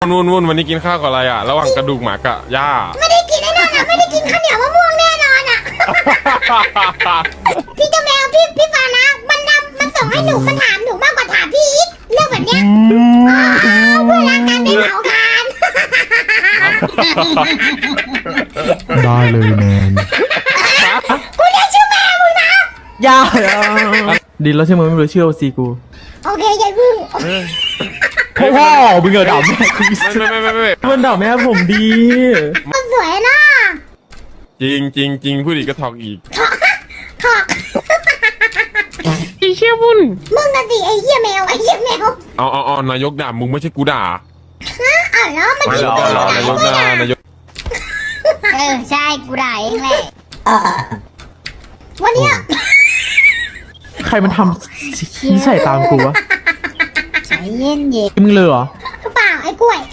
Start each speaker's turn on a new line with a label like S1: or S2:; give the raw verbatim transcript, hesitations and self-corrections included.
S1: นุ่นนุ่นวันนี้กินข้าวกับอะไรอ่ะระหว่างกระดูกหมากับหญ้า
S2: ไม่ได้กินแน่นอนอ่ะไม่ได้กินข้าวเหนียวมะม่วงแน่นอนอ่ะ พี่เจ้าแมวพี่พี่ฟานะมันนำมันส่งให้หนูมันถามหนูมากกว่าถามพี่อีกเรื่องแบบเนี้ยอ๋อเพื่อรักกันไม่เหงากัน
S3: ได้เลยแมน
S2: กูเรียกชื่อแม่มึงนะ
S3: อย่าดีแล้วใช่ไหมไม่รู้ชื่อซีกู
S2: โอเคยายพึ่ง
S3: พ่อพ่อมึงเกิดด่าแม่กู
S1: ไม่ไม่ไม่ไม่
S3: มันด่าแม่ผมดี
S2: มันสวยนะ
S1: จริงจริงจริงพูดอีกก็ถอกอีก
S2: ถอก
S1: อีเชี่ยบุญ
S2: มึงน่ะสิไอ้เหี้ยแมวไอ้เหี้ยแมว
S1: เอาเอาเอานายกด่ามึงไม่ใช่กูด่า
S2: ฮะอ้าวแล้วมัน
S1: ไม่
S2: กิน
S1: หรอ
S2: ไป
S1: หรอ
S2: ไหน
S1: นายก
S2: ไม่
S1: ด่า
S2: ได้
S1: นายก
S2: เออใช่กูด่าเองแหละวันเนี้ย
S3: ใครมันทำขี้ใส่ตามกูวะ
S2: ใจเย็นเย็น
S3: มึงเลยเหรอ
S2: เปล่าไอ้กล้วย